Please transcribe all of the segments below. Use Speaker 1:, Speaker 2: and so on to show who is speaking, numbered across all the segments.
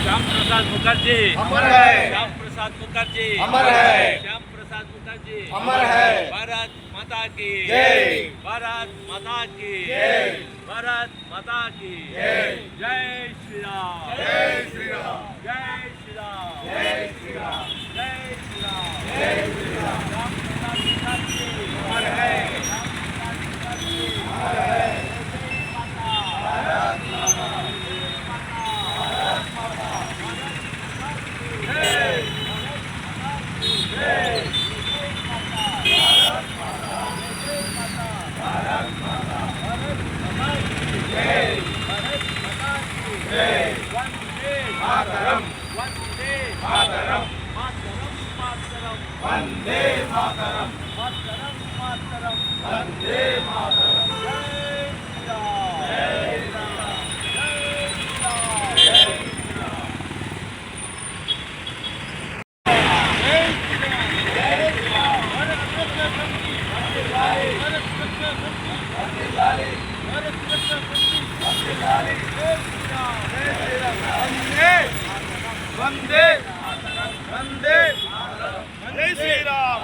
Speaker 1: श्याम प्रसाद मुखर्जी
Speaker 2: अमर है।
Speaker 1: श्याम प्रसाद मुखर्जी
Speaker 2: अमर है।
Speaker 1: श्याम प्रसाद मुखर्जी
Speaker 2: अमर है।
Speaker 1: भारत माता की
Speaker 2: जय।
Speaker 1: भारत माता की
Speaker 2: जय।
Speaker 1: भारत माता की
Speaker 2: जय।
Speaker 1: जय श्री राम
Speaker 2: जय श्री राम
Speaker 1: जय श्री राम
Speaker 2: जय श्री राम
Speaker 1: जय श्री राम
Speaker 2: जय श्री राम
Speaker 1: श्याम प्रसाद मुखर्जी
Speaker 2: अमर है।
Speaker 1: श्याम प्रसाद मुखर्जी
Speaker 2: अमर है। वंदे मातरम
Speaker 1: मातरम मातरम
Speaker 2: वंदे मातरम
Speaker 1: जय
Speaker 2: वंदे वंदे जय श्री राम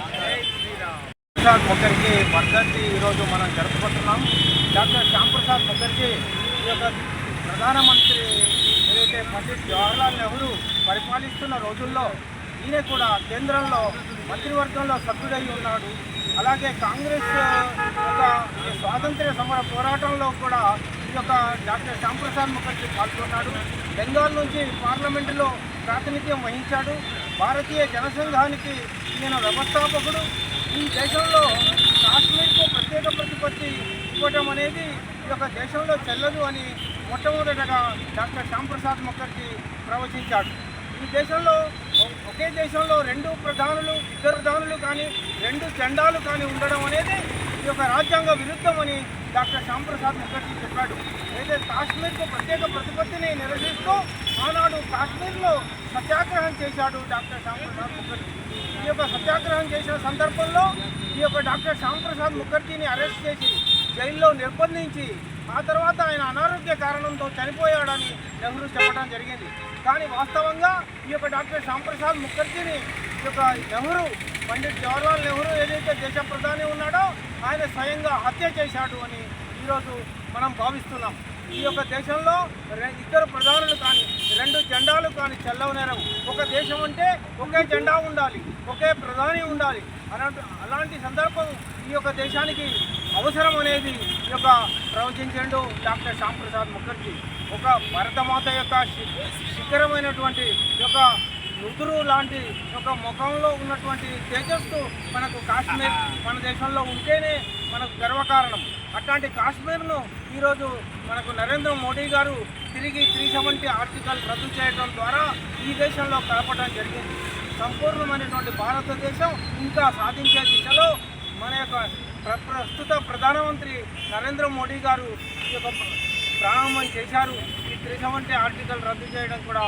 Speaker 3: ప్రసాద్ ముఖర్జీ వర్ధంతి ఈరోజు మనం జరుపుకుంటున్నాం. డాక్టర్ శ్యామ్ ప్రసాద్ ముఖర్జీ ఈ యొక్క ప్రధానమంత్రి ఏదైతే పండిట్ జవహర్లాల్ నెహ్రూ పరిపాలిస్తున్న రోజుల్లో ఈయన కూడా కేంద్రంలో మంత్రివర్గంలో సభ్యుడై ఉన్నాడు. అలాగే కాంగ్రెస్ యొక్క స్వాతంత్ర్య సమర పోరాటంలో కూడా ఈ యొక్క డాక్టర్ శ్యామ్ ప్రసాద్ ముఖర్జీ పాల్గొన్నాడు. బెంగాల్ నుంచి పార్లమెంటులో ప్రాతినిధ్యం వహించాడు. భారతీయ జనసంఘానికి ఈయన వ్యవస్థాపకుడు. ఈ దేశంలో కాశ్మీర్కు ప్రత్యేక ప్రతిపత్తి ఇవ్వటం అనేది ఈ యొక్క దేశంలో చెల్లదు అని మొట్టమొదటగా డాక్టర్ శ్యామ్ ప్రసాద్ ముఖర్జీ ప్రవచించాడు. ఈ దేశంలో ఒకే దేశంలో రెండు ప్రధానులు ఇద్దరు ప్రధానులు కానీ రెండు జెండాలు కానీ ఉండడం అనేది ఈ యొక్క రాజ్యాంగ విరుద్ధమని డాక్టర్ శ్యామ్ ప్రసాద్ ముఖర్జీ చెప్పాడు. అయితే కాశ్మీర్కు ప్రత్యేక ప్రతిపత్తిని నిరసిస్తూ ఆనాడు కాశ్మీర్లో సత్యాగ్రహం చేశాడు డాక్టర్ శ్యామ్ ప్రసాద్ ముఖర్జీ. ఈ యొక్క సత్యాగ్రహం చేసిన సందర్భంలో ఈ యొక్క డాక్టర్ శ్యామ్ ప్రసాద్ ముఖర్జీని అరెస్ట్ చేసి జైల్లో నిర్బంధించి ఆ తర్వాత ఆయన అనారోగ్య కారణంతో చనిపోయాడని నెహ్రూ చెప్పడం జరిగింది. కానీ వాస్తవంగా ఈ యొక్క డాక్టర్ శ్యామ్ ప్రసాద్ ముఖర్జీని ఈ యొక్క నెహ్రూ పండిట్ జవహర్లాల్ నెహ్రూ ఏదైతే దేశ ప్రధాని ఉన్నాడో ఆయన స్వయంగా హత్య చేశాడు అని ఈరోజు మనం భావిస్తున్నాం. ఈ యొక్క దేశంలో ఇద్దరు ప్రధానులు కానీ రెండు జెండాలు కానీ చెల్లవనేరవు. ఒక దేశం అంటే ఒకే జెండా ఉండాలి, ఒకే ప్రధాని ఉండాలి. అలాంటి సందర్భం ఈ యొక్క దేశానికి అవసరం అనేది ఈ యొక్క ప్రవచించాడు డాక్టర్ శ్యామ్ ప్రసాద్ ముఖర్జీ. ఒక భరతమాత యొక్క శిఖరమైనటువంటి యొక్క నుదురు లాంటి ఒక ముఖంలో ఉన్నటువంటి తేజస్సు మనకు కాశ్మీర్ మన దేశంలో ఉంటేనే మనకు గర్వకారణం. అట్లాంటి కాశ్మీర్ను ఈరోజు మనకు నరేంద్ర మోడీ గారు తిరిగి 370 ఆర్టికల్ రద్దు చేయడం ద్వారా ఈ దేశంలో కలపడం జరిగింది. సంపూర్ణమైనటువంటి భారతదేశం ఇంకా సాధించే దిశలో మన యొక్క ప్రస్తుత ప్రధానమంత్రి నరేంద్ర మోడీ గారు ఈ యొక్క ప్రారంభం చేశారు. ఈ 370 ఆర్టికల్ రద్దు చేయడం కూడా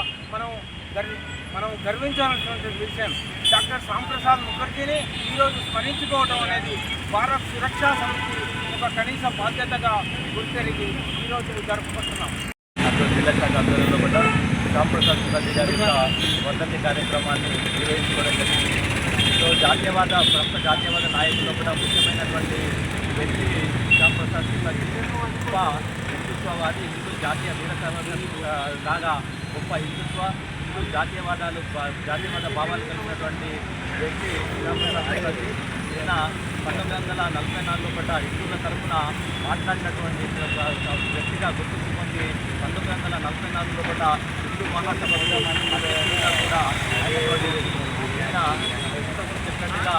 Speaker 3: మనం గర్వించాల్సినటువంటి విషయం. డాక్టర్ శ్యామ్ ప్రసాద్ ముఖర్జీని ఈరోజు స్మరించుకోవడం అనేది భారత్ సురక్షా సమితి ఒక కనీస బాధ్యతగా గుర్తెరిగి ఈరోజు జరుపుకుంటున్నాం.
Speaker 4: జిల్లా శాఖ ఆధ్వర్యంలో కూడా శ్యామ్ ప్రసాద్ ముఖర్జీ గారి యొక్క వర్ధంతి కార్యక్రమాన్ని నిర్వహించుకోవడం జరిగింది. సో ప్రముఖ జాతీయవాద నాయకుల్లో కూడా ముఖ్యమైనటువంటి వ్యక్తి శ్యామ్ ప్రసాద్ ముఖర్జీ. గొప్ప హిందుత్వవాది, హిందూ జాతీయ లాగా గొప్ప హిందూ జాతీయవాద భావాలు కలిగినటువంటి వ్యక్తి శ్యామ్ ప్రసాద్ ముఖర్జీ. ఈయన 1944లో కూడా హిందువుల తరఫున మాట్లాడినటువంటి వ్యక్తిగా గుర్తింపు పొంది 1944లో కూడా హిందూ మహాసభ కూడా ఆయన చెప్పినట్టుగా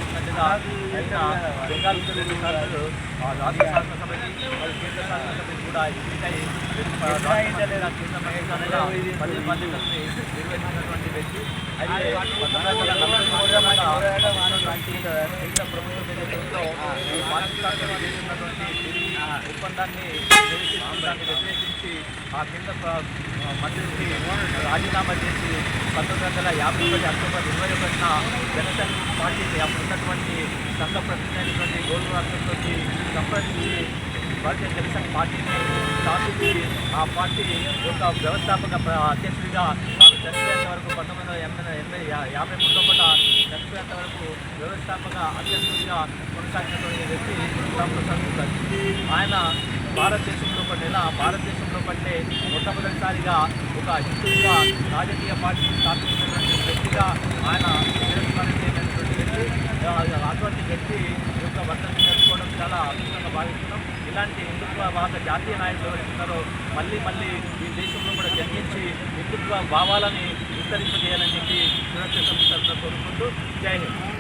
Speaker 4: ఆయన బెంగాల్ రాష్ట్ర శాసనసభకి కేంద్ర శాసనసభకి కూడా ఎన్నికై పది బాధ్యతల్ని నిర్వహించినటువంటి వ్యక్తి. అయితే 1940 కేంద్ర ప్రభుత్వం నేతృత్వంలో పాకిస్తాన్తో చేసినటువంటి ఒప్పందాన్ని వ్యతిరేకించి ఆ కేంద్ర మంత్రికి రాజీనామా చేసి 1951 అక్టోబర్ 21న జనసంఘ్ పార్టీని అప్పుడు ఉన్నటువంటి సంఘ ప్రతినిధి అయినటువంటి గోల్డ్ రాష్ట్రంతో సంప్రదించి భారతీయ జనసంఘ్ పార్టీని స్థాపించి ఆ పార్టీ యొక్క వ్యవస్థాపక అధ్యక్షుడిగా తాను చనిపోయేంత వరకు 1953 కూడా చనిపోయేంత వరకు వ్యవస్థాపక అధ్యక్షుడిగా కొనసాగినటువంటి వ్యక్తి శ్యాంప్రసాద్ ముఖర్జీ. ఆయన భారతదేశంలో కంటే మొట్టమొదటిసారిగా ఒక హిందువుగా రాజకీయ పార్టీని స్థాపించినటువంటి వ్యక్తిగా ఆయన చిరస్మరణీయమైనటువంటి వ్యక్తి. అటువంటి వ్యక్తి యొక్క వర్ధంతి జరుపుకోవడం చాలా అద్భుతంగా భావిస్తున్నాం. ఇలాంటి హిందుత్వవాద జాతీయ నాయకులు ఎవరైతే ఉన్నారో మళ్ళీ ఈ దేశంలో కూడా జన్మించి హిందుత్వ భావాలని విస్తరింపజేయాలని చెప్పి సురక్ష సంస్థ కోరుకుంటూ జై హింద్.